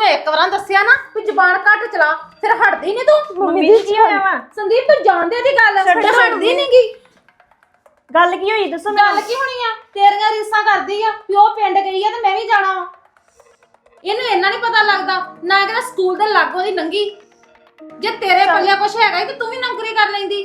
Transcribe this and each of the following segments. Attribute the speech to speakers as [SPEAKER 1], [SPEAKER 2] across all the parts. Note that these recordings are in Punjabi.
[SPEAKER 1] ਇੱਕ ਵਾਰਾਂ ਦੱਸਿਆ ਨਾ ਵੀ ਜ਼ਬਾਨ ਘੱਟ ਚਲਾ ਫਿਰ ਹਟਦੀ ਨਹੀਂ ਤੂੰ।
[SPEAKER 2] ਮੰਮੀ ਜੀ ਕੀ ਹੋਇਆ ਵਾ?
[SPEAKER 1] ਸੰਦੀਪ ਤੂੰ ਜਾਣਦੇ ਦੀ ਗੱਲ
[SPEAKER 2] ਛੱਡੋ
[SPEAKER 1] ਫਿਰ ਹਟਦੀ ਨਹੀਂਗੀ।
[SPEAKER 2] ਗੱਲ ਕੀ ਹੋਈ ਦੱਸੋ
[SPEAKER 1] ਗੱਲ ਕੀ ਹੋਣੀ ਆ? ਤੇਰੀਆਂ ਰੀਸਾਂ ਕਰਦੀ ਆ ਵੀ ਉਹ ਪਿੰਡ ਗਈ ਆ ਤੇ ਮੈਂ ਵੀ ਜਾਣਾ ਵਾ। ਇਹਨੂੰ ਇੰਨਾ ਨਹੀਂ ਪਤਾ ਲੱਗਦਾ ਨਾ ਕਿ ਸਕੂਲ ਦੇ ਲਾਗੋਂ ਦੀ ਲੰਗੀ। ਜੇ ਤੇਰੇ ਪੱਲੇ ਕੁਛ ਹੈਗਾ ਤੇ ਤੂੰ ਵੀ ਨੌਕਰੀ ਕਰ ਲੈਂਦੀ।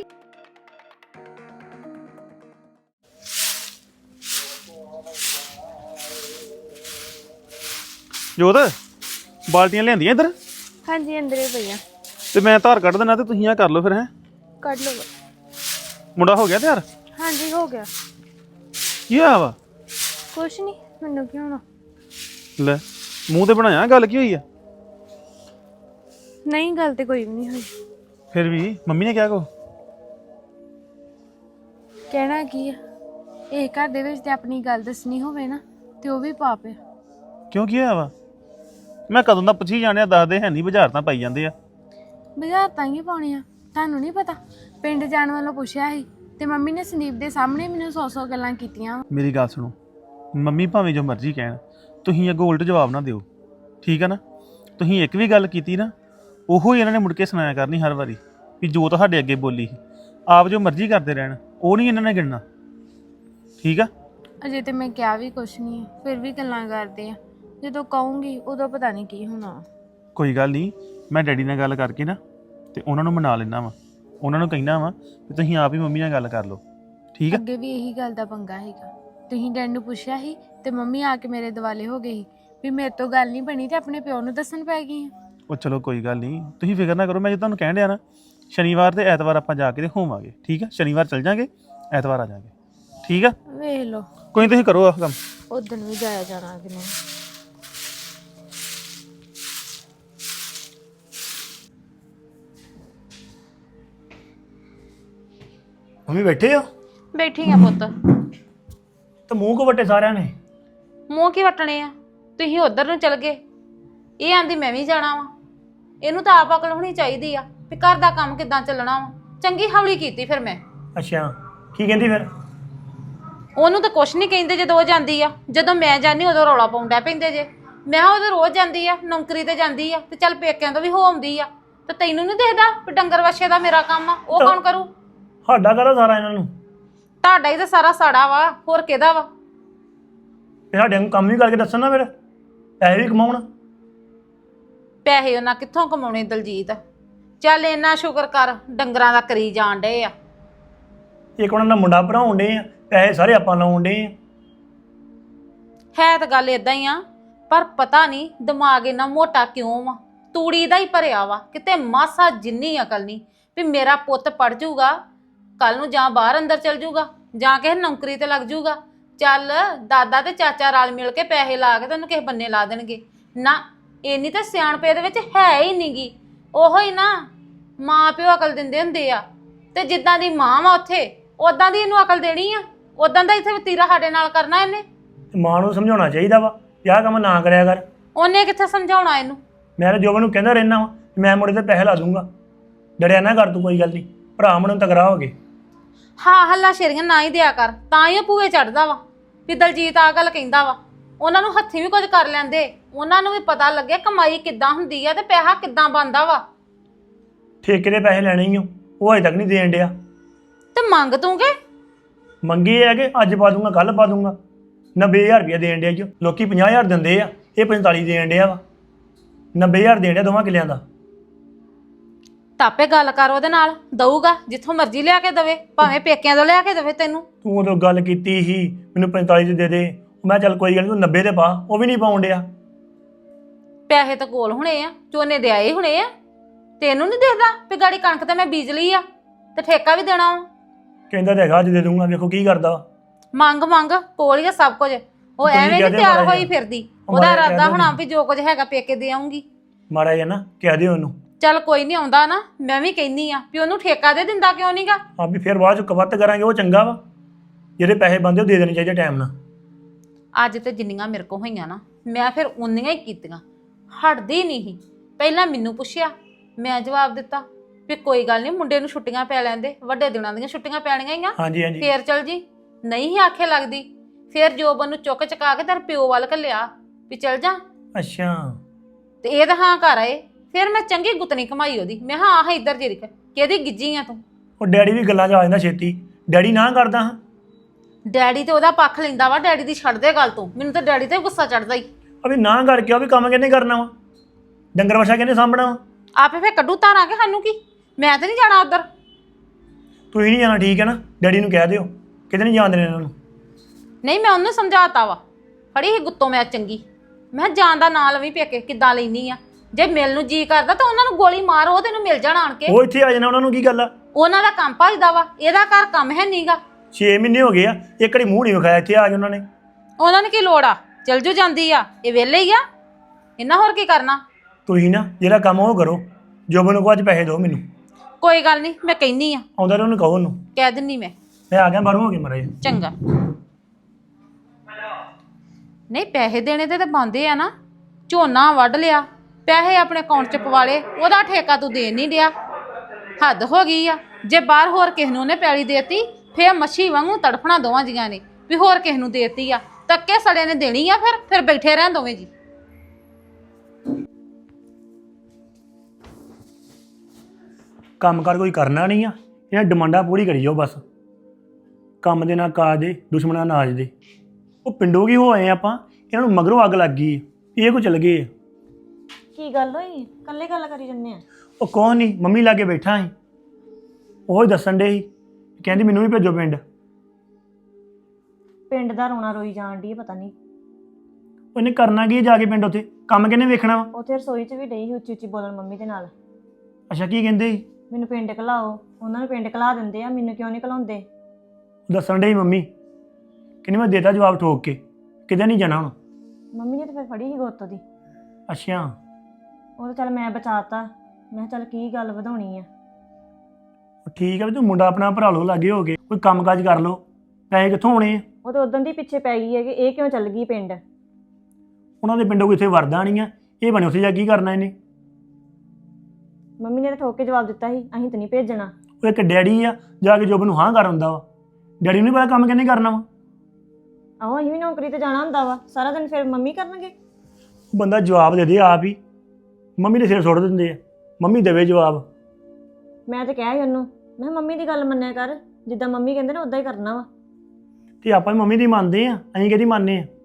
[SPEAKER 3] ਜੋਤ ਬਾਲਟੀਆਂ ਲਿਆਂਦੀਆਂ ਇੱਧਰ
[SPEAKER 2] ਹਾਂਜੀ ਅੰਦਰੇ ਪਈਆ
[SPEAKER 3] ਤੇ ਮੈਂ ਧਾਰ ਕੱਢ ਦੇਣਾ ਤੇ ਤੁਸੀਂ ਆ ਕਰ ਲਓ ਫਿਰ ਹੈ
[SPEAKER 2] ਕੱਢ ਲਓ।
[SPEAKER 3] ਮੁੰਡਾ ਹੋ ਗਿਆ ਤਿਆਰ?
[SPEAKER 2] ਹਾਂਜੀ ਹੋ ਗਿਆ।
[SPEAKER 3] ਕੀ ਹੋਇਆ ਵਾ?
[SPEAKER 2] ਕੁਛ ਨਹੀਂ ਮੈਨੂੰ ਕੀ ਹੋਣਾ।
[SPEAKER 3] ਲੈ ਮੂੰਹ ਤੇ ਬਣਾਇਆ, ਗੱਲ ਕੀ ਹੋਈ ਆ?
[SPEAKER 2] ਨਹੀਂ ਗੱਲ ਤੇ ਕੋਈ ਵੀ ਨਹੀਂ ਹੋਈ।
[SPEAKER 3] ਫਿਰ ਵੀ ਮੰਮੀ ਨੇ ਕਿਹਾ ਕੋ?
[SPEAKER 2] ਕਹਿਣਾ ਕੀ ਆ, ਇਹ ਘਰ ਦੇ ਵਿੱਚ ਤੇ ਆਪਣੀ ਗੱਲ ਦੱਸਣੀ ਹੋਵੇ ਨਾ ਤੇ ਉਹ ਵੀ ਪਾਪ ਆ।
[SPEAKER 3] ਕਿਉਂ ਕੀ ਹੋਇਆ ਵਾ? ਮੈਂ ਕਦੋਂ ਦਾ ਪੁੱਛੀ ਜਾਣਿਆ, ਦੱਸਦੇ ਹੈ ਨਹੀਂ, ਬਾਜ਼ਾਰ ਤਾਂ ਪਾਈ ਜਾਂਦੇ ਆ।
[SPEAKER 2] ਬਾਜ਼ਾਰ ਤਾਂ ਹੀ ਪਾਉਣੇ ਆ, ਤੁਹਾਨੂੰ ਨਹੀਂ ਪਤਾ? ਪਿੰਡ ਜਾਣ ਵੱਲੋਂ ਪੁੱਛਿਆ ਸੀ ਤੇ ਮੰਮੀ ਨੇ ਸੰਦੀਪ ਦੇ ਸਾਹਮਣੇ ਮੈਨੂੰ 100 ਗੱਲਾਂ ਕੀਤੀਆਂ।
[SPEAKER 3] ਮੇਰੀ ਗੱਲ ਸੁਣੋ, ਮੰਮੀ ਭਾਵੇਂ ਜੋ ਮਰਜ਼ੀ ਕਹਿਣ, ਤੁਸੀਂ ਅੱਗੋਂ ਉਲਟ ਜਵਾਬ ਨਾ ਦਿਓ, ਠੀਕ ਆ ਨਾ? ਤੁਸੀਂ ਇੱਕ ਵੀ ਗੱਲ ਕੀਤੀ ਨਾ, ਉਹੋ ਹੀ ਇਹਨਾਂ ਨੇ ਮੁੜ ਕੇ ਸੁਣਾਇਆ ਕਰਨੀ ਹਰ ਵਾਰੀ ਵੀ ਜੋ ਤੁਹਾਡੇ ਅੱਗੇ ਬੋਲੀ ਸੀ। ਆਪ ਜੋ ਮਰਜ਼ੀ ਕਰਦੇ ਰਹਿਣ, ਉਹ ਨਹੀਂ ਇਹਨਾਂ ਨੇ ਗਿਣਨਾ, ਠੀਕ ਆ?
[SPEAKER 2] ਅਜੇ ਤੇ ਮੈਂ ਕਿਹਾ ਵੀ ਕੁਛ ਨਹੀਂ ਹੈ, ਫਿਰ ਵੀ ਗੱਲਾਂ ਕਰਦੇ ਆ। ਜਦੋਂ ਕਹੂੰਗੀ ਉਦੋਂ ਪਤਾ ਨਹੀਂ ਕੀ ਹੋਣਾ।
[SPEAKER 3] ਕੋਈ ਗੱਲ ਨਹੀਂ, ਮੈਂ ਡੈਡੀ ਨਾਲ ਗੱਲ ਕਰਕੇ ਨਾ ਤੇ ਉਹਨਾਂ ਨੂੰ ਮਨਾ ਲੈਣਾ ਵਾ। ਉਹਨਾਂ ਨੂੰ ਕਹਿਣਾ ਵਾ ਕਿ ਤੁਸੀਂ ਆਪ ਹੀ ਮੰਮੀ ਨਾਲ ਗੱਲ ਕਰ ਲਓ, ਠੀਕ ਆ?
[SPEAKER 2] ਅੱਗੇ ਵੀ ਇਹੀ ਗੱਲ ਦਾ ਪੰਗਾ ਹੈਗਾ। ਤੁਸੀਂ ਡੈਡ ਨੂੰ ਪੁੱਛਿਆ ਸੀ ਤੇ ਮੰਮੀ ਆ ਕੇ ਮੇਰੇ ਦਿਵਾਲੇ ਹੋ ਗਏ ਸੀ ਵੀ ਮੇਰੇ ਤੋਂ ਗੱਲ ਨਹੀਂ ਬਣੀ ਤੇ ਆਪਣੇ ਪਿਓ ਨੂੰ ਦੱਸਣ ਪੈ ਗਈ ਆ।
[SPEAKER 3] ਉਹ ਚਲੋ ਕੋਈ ਗੱਲ ਨਹੀਂ, ਤੁਸੀਂ ਫਿਕਰ ਨਾ ਕਰੋ। ਮੈਂ ਜੇ ਤੁਹਾਨੂੰ ਕਹਿਣ ਡਿਆ ਨਾ, ਸ਼ਨੀਵਾਰ ਤੇ ਐਤਵਾਰ ਆਪਾਂ ਜਾ ਕੇ ਤੇ ਹੋਵਾਂਗੇ, ਠੀਕ ਆ? ਸ਼ਨੀਵਾਰ ਚੱਲ ਜਾਾਂਗੇ, ਐਤਵਾਰ ਆ ਜਾਾਂਗੇ, ਠੀਕ ਆ?
[SPEAKER 2] ਵੇਖ ਲਓ
[SPEAKER 3] ਕੋਈ ਤੁਸੀਂ ਕਰੋ ਆਹ ਕੰਮ।
[SPEAKER 2] ਉਦੋਂ ਵੀ ਜਾਇਆ ਜਾਣਾ ਕਿ ਨਹੀਂ।
[SPEAKER 4] ਮੰਮੀ ਬੈਠੇ ਹੋ
[SPEAKER 1] ਬੈਠੀ ਆ ਪੁੱਤ।
[SPEAKER 4] ਤੇ ਮੂੰਹ ਕੋ ਵੱਟੇ ਸਾਰਿਆਂ ਨੇ?
[SPEAKER 1] ਮੂੰਹ ਕੀ ਵਟਣੇ ਆ? ਤੁਸੀਂ ਉਧਰ ਨੂੰ ਚਲ ਗਏ, ਇਹ ਆਂਦੀ ਮੈਂ ਵੀ ਜਾਣਾ ਵਾ। ਇਹਨੂੰ ਤਾਂ ਆਪ ਅਕਲ ਹੋਣੀ ਚਾਹੀਦੀ ਆ ਵੀ ਘਰ ਦਾ ਕੰਮ ਕਿੱਦਾਂ ਚੱਲਣਾ ਵਾ। ਚੰਗੀ ਹੌਲੀ ਕੀਤੀ ਫਿਰ ਮੈਂ।
[SPEAKER 4] ਅੱਛਾ ਕੀ ਕਹਿੰਦੀ ਫਿਰ?
[SPEAKER 1] ਉਹਨੂੰ ਤਾਂ ਕੁਛ ਨਹੀਂ ਕਹਿੰਦੇ ਜਦੋਂ ਉਹ ਜਾਂਦੀ ਆ। ਜਦੋਂ ਮੈਂ ਜਾਂਦੀ ਉਦੋਂ ਰੌਲਾ ਪਾਉਂਦਾ ਪੈਂਦੇ ਜੇ। ਮੈਂ ਕਿਹਾ ਉਦੋਂ ਰੋਜ਼ ਜਾਂਦੀ ਆ, ਨੌਕਰੀ ਤੇ ਜਾਂਦੀ ਆ ਤੇ ਚੱਲ ਪੇਕਿਆਂ ਤੋਂ ਵੀ ਹੋ ਆਉਂਦੀ ਆ। ਤੇ ਤੈਨੂੰ ਨਹੀਂ ਦੇਖਦਾ ਵੀ ਡੰਗਰ ਵੱਛੇ ਦਾ ਮੇਰਾ ਕੰਮ ਆ, ਉਹ ਕੌਣ ਕਰੂ?
[SPEAKER 4] ਸਾਡਾ ਕਰਾ ਸਾਰਾ ਇਹਨਾਂ ਨੂੰ?
[SPEAKER 1] ਤੁਹਾਡਾ ਹੀ ਤਾਂ ਸਾਰਾ ਸਾੜਾ ਵਾ, ਹੋਰ ਕਿਹਦਾ ਵਾ?
[SPEAKER 4] ਤੇ ਸਾਡੇ ਨੂੰ ਕੰਮ ਵੀ ਕਰਕੇ ਦੱਸਣ ਨਾ, ਫਿਰ ਪੈਸੇ ਵੀ ਕਮਾਉਣ।
[SPEAKER 1] ਪੈਸੇ ਉਹਨਾਂ ਕਿੱਥੋਂ ਕਮਾਉਣੇ ਦਲਜੀਤ? ਚੱਲ ਇੰਨਾ ਸ਼ੁਕਰ ਕਰ ਡੰਗਰਾਂ ਦਾ ਕਰੀ ਜਾਣ ਡੇ ਆ।
[SPEAKER 4] ਇੱਕ ਉਹਨਾਂ ਦਾ ਮੁੰਡਾ ਭਰਾਉਣ ਡੇ ਆ, ਪੈਸੇ ਸਾਰੇ ਆਪਾਂ ਲਾਉਣ ਡੇ ਆ।
[SPEAKER 1] ਹੈ ਤਾਂ ਗੱਲ ਇਦਾਂ ਹੀ ਆ, ਪਰ ਪਤਾ ਨਹੀਂ ਦਿਮਾਗ ਇੰਨਾ ਮੋਟਾ ਕਿਉਂ ਵਾ। ਤੂੜੀ ਦਾ ਹੀ ਭਰਿਆ ਵਾ, ਕਿਤੇ ਮਾਸਾ ਜਿੰਨੀ ਅਕਲ ਨਹੀਂ ਵੀ ਮੇਰਾ ਪੁੱਤ ਪੜ ਜਾਊਗਾ ਕੱਲ ਨੂੰ, ਜਾਂ ਬਾਹਰ ਅੰਦਰ ਚਲ ਜਾਊਗਾ, ਜਾਂ ਕਿਸੇ ਨੌਕਰੀ ਤੇ ਲੱਗ ਜਾਊਗਾ। ਚੱਲ ਦਾਦਾ ਤੇ ਚਾਚਾ ਰਲ ਮਿਲ ਕੇ ਪੈਸੇ ਲਾ ਕੇ ਤੈਨੂੰ ਕਿਸੇ ਬੰਨੇ ਲਾ ਦੇਣਗੇ। ਨਾ, ਇੰਨੀ ਤਾਂ ਸਿਆਣਪੇ ਦੇ ਵਿੱਚ ਹੈ ਹੀ ਨਹੀਂਗੀ। ਉਹੋ ਹੀ ਨਾ, ਮਾਂ ਪਿਓ ਅਕਲ ਦਿੰਦੇ ਹੁੰਦੇ ਆ, ਤੇ ਜਿੱਦਾਂ ਦੀ ਮਾਂ ਵਾ ਉੱਥੇ ਉਦਾਂ ਦੀ ਇਹਨੂੰ ਅਕਲ ਦੇਣੀ ਆ। ਉਦਾਂ ਦਾ ਇੱਥੇ ਵਤੀਰਾ ਸਾਡੇ ਨਾਲ ਕਰਨਾ ਇਹਨੇ।
[SPEAKER 4] ਤੇ ਮਾਂ ਨੂੰ ਸਮਝਾਉਣਾ ਚਾਹੀਦਾ ਵਾ ਕਿ ਆਹ ਕੰਮ ਨਾ ਕਰਿਆ ਕਰ।
[SPEAKER 1] ਉਹਨੇ ਕਿੱਥੇ ਸਮਝਾਉਣਾ ਇਹਨੂੰ?
[SPEAKER 4] ਮੈਂ ਤਾਂ ਜੋਬਨ ਨੂੰ ਕਹਿੰਦਾ ਰਹਿਣਾ ਵਾ ਮੈਂ ਮੁੰਡੇ ਤੇ ਪੈਸੇ ਲਾ ਦੂੰਗਾ, ਡਰਿਆ ਨਾ ਕਰ ਤੂੰ, ਕੋਈ ਗੱਲ ਨਹੀਂ। ਭਰਾ ਮੈਨੂੰ ਤਗੜਾ ਹੋ ਗਏ।
[SPEAKER 1] ਹਾਂ ਹੱਲਾ ਸ਼ੇਰੀਆਂ ਨਾ ਹੀ ਦਿਆ ਕਰ, ਤਾਂ ਹੀ ਉਹ ਭੂਏ ਚੜਦਾ ਵਾ ਵੀ ਦਲਜੀਤ ਆ ਗੱਲ ਕਹਿੰਦਾ ਵਾ। ਉਹਨਾਂ ਨੂੰ ਹੱਥੀਂ ਵੀ ਕੁਝ ਕਰ ਲੈਂਦੇ, ਉਹਨਾਂ ਨੂੰ ਵੀ ਪਤਾ ਲੱਗੇ ਕਮਾਈ ਕਿੱਦਾਂ ਹੁੰਦੀ ਆ ਤੇ ਪੈਸਾ ਕਿੱਦਾਂ ਬਣਦਾ ਵਾ।
[SPEAKER 4] ਠੇਕੇ ਦੇ ਪੈਸੇ ਲੈਣੇ ਹੀ ਉਹ ਅਜੇ ਤੱਕ ਨਹੀਂ ਦੇਣ ਡਿਆ।
[SPEAKER 1] ਤੇ ਮੰਗ ਤੂੰਗੇ?
[SPEAKER 4] ਮੰਗੇ ਹੈ ਕਿ ਅੱਜ ਪਾ ਦੂੰਗਾ, ਕੱਲ ਪਾ ਦੂੰਗਾ। 90000 ਰੁਪਇਆ ਦੇਣ ਡਿਆ ਜੋ, ਲੋਕੀ 50000 ਦਿੰਦੇ ਆ, ਇਹ 45 ਦੇਣ ਡਿਆ ਵਾ। 90000 ਦੇਣ ਡਿਆ ਦੋਵਾਂ ਕਿੱਲਿਆਂ ਦਾ।
[SPEAKER 1] ਤਾਪੇ ਗੱਲ ਕਰ ਉਹਦੇ ਨਾਲ, ਦਊਗਾ ਜਿੱਥੋਂ ਮਰਜ਼ੀ ਲਿਆ ਕੇ ਦਵੇ, ਭਾਵੇਂ ਪੇਕਿਆਂ ਤੋਂ ਲਿਆ ਕੇ ਦਵੇ ਤੈਨੂੰ।
[SPEAKER 4] ਤੂੰ ਉਦੋਂ ਗੱਲ ਕੀਤੀ ਸੀ ਮੈਨੂੰ 45 ਦੇ ਦੇ, ਮੈਂ ਚੱਲ ਕੋਈ ਗੱਲ ਨਹੀਂ, ਤੂੰ 90 ਦੇ ਪਾ, ਉਹ ਵੀ ਨਹੀਂ ਪਾਉਣ ਡਿਆ।
[SPEAKER 1] ਪੈਸੇ ਤਾਂ ਕੋਲ ਹੋਣੇ ਆ, ਝੋਨੇ ਦੇ ਆਏ ਹੋਣੇ ਆ, ਤੈਨੂੰ ਨਹੀਂ ਦੇਖਦਾ ਵੀ ਗਾੜੀ ਕਣਕ ਤੇ ਮੈਂ ਬੀਜ ਲਈ ਆ ਤੇ ਠੇਕਾ ਵੀ ਦੇਣਾ ਵਾ।
[SPEAKER 4] ਕਹਿੰਦਾ ਤੇ ਹੈਗਾ ਅੱਜ ਦੇ ਦੂੰਗਾ, ਵੇਖੋ ਕੀ ਕਰਦਾ।
[SPEAKER 1] ਮੰਗ ਮੰਗ, ਕੋਲ ਹੀ ਆ ਸਭ ਕੁਝ। ਉਹ
[SPEAKER 4] ਤੁਸੀਂ
[SPEAKER 1] ਐਵੇਂ
[SPEAKER 4] ਕਹਿ
[SPEAKER 1] ਨਹੀਂ
[SPEAKER 4] ਦਿਓ
[SPEAKER 1] ਤਿਆਰ
[SPEAKER 4] ਮਾੜਾ
[SPEAKER 1] ਹੋਈ
[SPEAKER 4] ਜਿਹਾ।
[SPEAKER 1] ਫਿਰਦੀ,
[SPEAKER 4] ਉਹ
[SPEAKER 1] ਉਹਦਾ
[SPEAKER 4] ਮਾੜਾ ਜਿਹਾ
[SPEAKER 1] ਇਰਾਦਾ
[SPEAKER 4] ਕਹਿ
[SPEAKER 1] ਹੋਣਾ
[SPEAKER 4] ਦਿਓ
[SPEAKER 1] ਵੀ ਜੋ ਕੁਝ ਹੈਗਾ ਪੇਕੇ ਦੇ ਆਉਂਗੀ।
[SPEAKER 4] ਮਾੜਾ ਜਿਹਾ ਨਾ ਕਹਿ ਦਿਓ ਉਹਨੂੰ।
[SPEAKER 1] ਚੱਲ ਕੋਈ ਨਹੀਂ, ਆਉਂਦਾ ਨਾ, ਮੈਂ ਵੀ ਕਹਿੰਨੀ ਆ ਵੀ ਉਹਨੂੰ ਠੇਕਾ ਦੇ ਦਿੰਦਾ ਕਿਉਂ ਨਹੀਂਗਾ।
[SPEAKER 4] ਆ ਵੀ ਫਿਰ ਬਾਅਦ ਚ ਕਵੱਤ ਕਰਾਂਗੇ, ਉਹ ਚੰਗਾ ਵਾ। ਜਿਹੜੇ ਪੈਸੇ ਬੰਦੇ ਉਹ ਦੇ ਦੇਣੇ ਚਾਹੀਦੇ ਟਾਈਮ ਨਾਲ।
[SPEAKER 1] ਅੱਜ ਤੇ ਜਿੰਨੀਆਂ ਮੇਰੇ ਕੋ ਹੋਈਆਂ ਨਾ, ਮੈਂ ਫਿਰ ਉਨੀਆਂ ਹੀ ਕੀਤੀਆਂ, ਹਟਦੀ ਨਹੀਂ। ਪਹਿਲਾਂ ਮੈਨੂੰ ਪੁੱਛਿਆ, ਮੈਂ ਜਵਾਬ ਦਿੱਤਾ ਵੀ ਕੋਈ ਗੱਲ ਨਹੀਂ, ਮੁੰਡੇ ਨੂੰ ਛੁੱਟੀਆਂ ਪੈ ਲੈਂਦੇ, ਵੱਡੇ ਦਿਨਾਂ ਦੀਆਂ ਛੁੱਟੀਆਂ ਪੈਣੀਆਂ ਹੀ ਆ,
[SPEAKER 4] ਹਾਂਜੀ ਹਾਂਜੀ
[SPEAKER 1] ਫੇਰ ਚਲ ਜੀ। ਨਹੀਂ ਹੀ ਆਖੇ ਲੱਗਦੀ, ਫੇਰ ਜੋਬਨ ਨੂੰ ਚੁੱਕ ਚਕਾ ਕੇ ਤੇਰੇ ਪਿਓ ਵੱਲ ਘੱਲਿਆ ਵੀ ਚਲ ਜਾ।
[SPEAKER 4] ਅੱਛਾ
[SPEAKER 1] ਤੇ ਇਹ ਤਾਂ ਹਾਂ ਘਰ ਆਏ, ਫਿਰ ਮੈਂ ਚੰਗੀ ਗੁੱਤਨੀ ਕਮਾਈ ਉਹਦੀ। ਮੈਂ ਹਾਂ ਆਹ ਇੱਧਰ ਜਿਰਕ ਕਿਹਦੀ ਗਿੱਜੀ ਆ ਤੂੰ?
[SPEAKER 4] ਉਹ ਡੈਡੀ ਵੀ ਗੱਲਾਂ 'ਚ ਆ ਜਾਂਦਾ ਛੇਤੀ, ਡੈਡੀ ਨਾ ਕਰਦਾ ਹਾਂ।
[SPEAKER 1] ਡੈਡੀ ਤੇ ਉਹਦਾ ਪੱਖ ਲੈਂਦਾ ਵਾ, ਡੈਡੀ ਦੀ ਛੱਡ ਦੇ ਗੱਲ ਤੂੰ। ਮੈਨੂੰ ਤਾਂ ਡੈਡੀ ਤੇ ਗੁੱਸਾ ਚੜਦਾ ਹੀ।
[SPEAKER 4] ਅਭੀ ਨਾ ਕਰਕੇ ਉਹ ਵੀ ਕੰਮ ਕਿਹਨੇ ਕਰਨਾ ਵਾ, ਡੰਗਰ ਵਛਾ ਕਿਹਨੇ ਸਾਂਭਣਾ ਵਾ?
[SPEAKER 1] ਆਪੇ ਫੇਰ ਕੱਢੂ ਧਾਰਾਂ ਕੇ ਸਾਨੂੰ ਕੀ, ਮੈਂ ਤੇ ਨਹੀਂ ਜਾਣਾ ਉਧਰ।
[SPEAKER 4] ਤੁਸੀਂ ਨਹੀਂ ਜਾਣਾ ਠੀਕ ਹੈ ਨਾ, ਡੈਡੀ ਨੂੰ ਕਹਿ ਦਿਓ ਕਿਤੇ ਨਹੀਂ ਜਾਣ ਦੇਣਾ ਇਹਨਾਂ ਨੂੰ।
[SPEAKER 1] ਨਹੀਂ ਮੈਂ ਉਹਨੂੰ ਸਮਝਾਤਾ ਵਾ, ਫੜੀ ਸੀ ਗੁੱਤੋਂ ਮੈਂ ਚੰਗੀ। ਮੈਂ ਜਾਣ ਦਾ ਨਾਂ ਲਵੀਂ ਪੇਕੇ ਕਿੱਦਾਂ ਲੈਣੀ ਆ। ਜੇ ਮਿਲ ਨੂੰ ਜੀ ਕਰਦਾ ਤਾਂ ਉਹਨਾਂ ਨੂੰ ਗੋਲੀ ਮਾਰ, ਉਹ ਤੈਨੂੰ ਮਿਲ ਜਾਣ ਆਣ ਕੇ।
[SPEAKER 4] ਉਹ ਇੱਥੇ ਆ ਜਾਣਾ, ਉਹਨਾਂ ਨੂੰ ਕੀ ਗੱਲ ਆ?
[SPEAKER 1] ਉਹਨਾਂ ਦਾ ਕੰਮ ਭਜਦਾ ਵਾ, ਇਹਦਾ ਘਰ ਕੰਮ ਹੈ ਨਹੀਂਗਾ।
[SPEAKER 4] 6 ਮਹੀਨੇ ਹੋ ਗਏ ਆ, ਇੱਕ ਵਾਰੀ ਮੂੰਹ ਨਹੀਂ ਵਿਖਾਇਆ ਇੱਥੇ ਆ ਕੇ ਉਹਨਾਂ ਨੇ।
[SPEAKER 1] ਉਹਨਾਂ ਨੇ ਕੀ ਲੋੜ ਆ, ਚਲ ਜੂ ਜਾਂਦੀ ਆ, ਇਹ ਵਿਹਲੇ ਹੀ ਆ, ਇਹਨਾਂ ਹੋਰ ਕੀ ਕਰਨਾ।
[SPEAKER 4] ਤੁਸੀਂ ਨਾ ਜਿਹੜਾ ਕੰਮ ਉਹ ਕਰੋ, ਜੋਬਨ ਨੂੰ ਕਹੋ ਅੱਜ ਪੈਸੇ ਦਿਓ ਮੈਨੂੰ।
[SPEAKER 1] ਕੋਈ ਗੱਲ ਨਹੀਂ, ਮੈਂ ਕਹਿੰਨੀ ਆ,
[SPEAKER 4] ਆਉਂਦਾ ਤਾਂ ਉਹਨੂੰ ਕਹੋ ਉਹਨੂੰ।
[SPEAKER 1] ਕਹਿ ਦਿੰਨੀ ਮੈਂ
[SPEAKER 4] ਆ ਗਿਆ ਬਾਹਰੋਂ ਹੋ ਕੇ ਮਰੇ।
[SPEAKER 1] ਚੰਗਾ। ਨਹੀਂ ਪੈਸੇ ਦੇਣੇ ਤੇ ਬੰਦੇ ਆ ਨਾ। ਝੋਨਾ ਵੱਢ ਲਿਆ, ਪੈਸੇ ਆਪਣੇ ਅਕਾਊਂਟ 'ਚ ਪਵਾ ਲਏ, ਉਹਦਾ ਠੇਕਾ ਤੂੰ ਦੇ ਨਹੀਂ ਡਿਆ। ਹੱਦ ਹੋ ਗਈ ਆ। ਜੇ ਬਾਹਰ ਹੋਰ ਕਿਸ ਨੂੰ ਉਹਨੇ ਪੈਲੀ ਦੇਤੀ, ਫੇਰ ਮੱਛੀ ਵਾਂਗੂ ਤੜਫਣਾ ਦੋਵਾਂ ਜੀਆਂ ਨੇ ਵੀ ਹੋਰ ਕਿਸ ਨੂੰ ਦੇਤੀ ਆ। ਤੱਕੇ ਸੜੇ ਨੇ ਦੇਣੀ ਆ, ਫਿਰ ਬੈਠੇ ਰਹਿਣ ਦੋਵੇਂ ਜੀ।
[SPEAKER 4] ਕੰਮ ਕਰ ਕੋਈ ਕਰਨਾ ਨਹੀਂ ਆ, ਇਹਨਾਂ ਡਿਮਾਂਡਾਂ ਪੂਰੀ ਕਰੀ ਜਾਓ ਬਸ। ਕੰਮ ਦੇ ਨਾ ਕਾਜ ਦੇ, ਦੁਸ਼ਮਣਾਂ ਨਾਜ ਦੇ। ਉਹ ਪਿੰਡੋਂ ਕੀ ਹੋਏ ਆਪਾਂ, ਇਹਨਾਂ ਨੂੰ ਮਗਰੋਂ ਅੱਗ ਲੱਗ ਗਈ, ਇਹ ਕੋ ਚਲ ਗਏ।
[SPEAKER 5] ਕੀ ਗੱਲ ਹੋਈ? ਇਕੱਲੇ ਗੱਲ ਕਰੀ ਜੰਨੇ ਆ।
[SPEAKER 4] ਉਹ ਕੌਣ ਨਹੀਂ, ਮੰਮੀ ਲਾਗੇ ਬੈਠਾ ਸੀ, ਉਹ ਹੀ ਦੱਸਣ ਡੇ ਸੀ, ਕਹਿੰਦੀ ਮੈਨੂੰ ਵੀ ਭੇਜੋ ਪਿੰਡ।
[SPEAKER 5] ਪਿੰਡ ਦਾ ਰੋਣਾ ਰੋਈ ਜਾਣ ਦੀ ਪਤਾ ਨਹੀਂ।
[SPEAKER 4] ਉਹਨੇ ਕਰਨਾ ਕੀ ਜਾ ਕੇ ਪਿੰਡ, ਉੱਥੇ ਕੰਮ ਕਿਹਨੇ ਵੇਖਣਾ ਵਾ?
[SPEAKER 5] ਉੱਥੇ ਰਸੋਈ 'ਚ ਵੀ ਡਈ ਸੀ ਉੱਚੀ ਉੱਚੀ ਬੋਲਣ ਮੰਮੀ ਦੇ ਨਾਲ।
[SPEAKER 4] ਅੱਛਾ ਕੀ ਕਹਿੰਦੇ ਸੀ?
[SPEAKER 5] ਮੈਨੂੰ ਪਿੰਡ ਘਲਾਓ, ਉਹਨਾਂ ਨੂੰ ਪਿੰਡ ਘਲਾ ਦਿੰਦੇ ਆ, ਮੈਨੂੰ ਕਿਉਂ ਨਹੀਂ ਘਲਾਉਂਦੇ?
[SPEAKER 4] ਦੱਸਣ ਡੇ ਸੀ ਮੰਮੀ, ਕਹਿੰਦੀ ਮੈਂ ਦੇਤਾ ਜਵਾਬ ਠੋਕ ਕੇ, ਕਿਤੇ ਨਹੀਂ ਜਾਣਾ ਹੁਣ।
[SPEAKER 5] ਮੰਮੀ ਨੇ ਤਾਂ ਫਿਰ ਫੜੀ ਸੀ ਗੁੱਤ ਦੀ।
[SPEAKER 4] ਅੱਛਾ
[SPEAKER 5] ਉਹ ਤਾਂ ਚੱਲ ਮੈਂ ਬਚਾਤਾ। ਮੈਂ ਕਿਹਾ ਚੱਲ ਕੀ ਗੱਲ ਵਧਾਉਣੀ ਆ।
[SPEAKER 4] ਠੀਕ ਆ ਵੀ ਤੂੰ ਮੁੰਡਾ ਆਪਣਾ ਭਰਾ ਲਓ ਲਾਗੇ ਹੋ ਕੇ, ਕੋਈ ਕੰਮ ਕਾਜ ਕਰ ਲਓ, ਪੈਸੇ ਕਿੱਥੋਂ ਆਉਣੇ ਆ?
[SPEAKER 5] ਉਹ ਤਾਂ ਉਦੋਂ ਦੀ ਪਿੱਛੇ ਪੈ ਗਈ ਹੈ ਕਿ ਇਹ ਕਿਉਂ ਚੱਲ ਗਈ ਪਿੰਡ।
[SPEAKER 4] ਉਹਨਾਂ ਦੇ ਪਿੰਡੋਂ ਕੋਈ ਇੱਥੇ ਵਰਦਾ ਨਹੀਂ ਆ, ਇਹ ਬਣੇ ਉੱਥੇ ਜਾ ਕੀ ਕਰਨਾ ਇਹਨੇ?
[SPEAKER 5] ਮੰਮੀ ਨੇ ਤਾਂ ਠੋਕ ਕੇ ਜਵਾਬ ਦਿੱਤਾ ਸੀ, ਅਸੀਂ ਤਾਂ ਨਹੀਂ ਭੇਜਣਾ।
[SPEAKER 4] ਉਹ ਇੱਕ ਡੈਡੀ ਆ, ਜਾ ਕੇ ਜੋਬ ਨੂੰ ਹਾਂ ਕਰ ਹੁੰਦਾ ਵਾ, ਡੈਡੀ ਨੂੰ ਨਹੀਂ ਪਤਾ ਕੰਮ ਕਿਹਨੇ ਕਰਨਾ ਵਾ।
[SPEAKER 5] ਆਹੋ ਅਸੀਂ ਵੀ ਨੌਕਰੀ ਤੇ ਜਾਣਾ ਹੁੰਦਾ ਵਾ, ਸਾਰਾ ਦਿਨ ਫਿਰ ਮੰਮੀ ਕਰਨਗੇ।
[SPEAKER 4] ਉਹ ਬੰਦਾ ਜਵਾਬ ਦੇ ਦੇ ਆਪ ਹੀ, ਮੰਮੀ ਦੇ ਸਿਰ ਸੁੱਟ ਦਿੰਦੇ ਆ, ਮੰਮੀ ਦੇਵੇ ਜਵਾਬ।
[SPEAKER 5] ਮੈਂ ਤਾਂ ਕਿਹਾ ਸੀ ਉਹਨੂੰ, ਮੈਂ ਕਿਹਾ ਮੰਮੀ ਦੀ ਗੱਲ ਮੰਨਿਆ ਕਰ, ਜਿੱਦਾਂ ਮੰਮੀ ਕਹਿੰਦੇ ਨੇ ਉਦਾਂ ਹੀ ਕਰਨਾ ਵਾ।
[SPEAKER 4] ਤੇ ਆਪਾਂ ਵੀ ਮੰਮੀ ਦੀ ਮੰਨਦੇ ਆ, ਅਸੀਂ ਕਿਹਦੀ ਮੰਨਦੇ ਆ?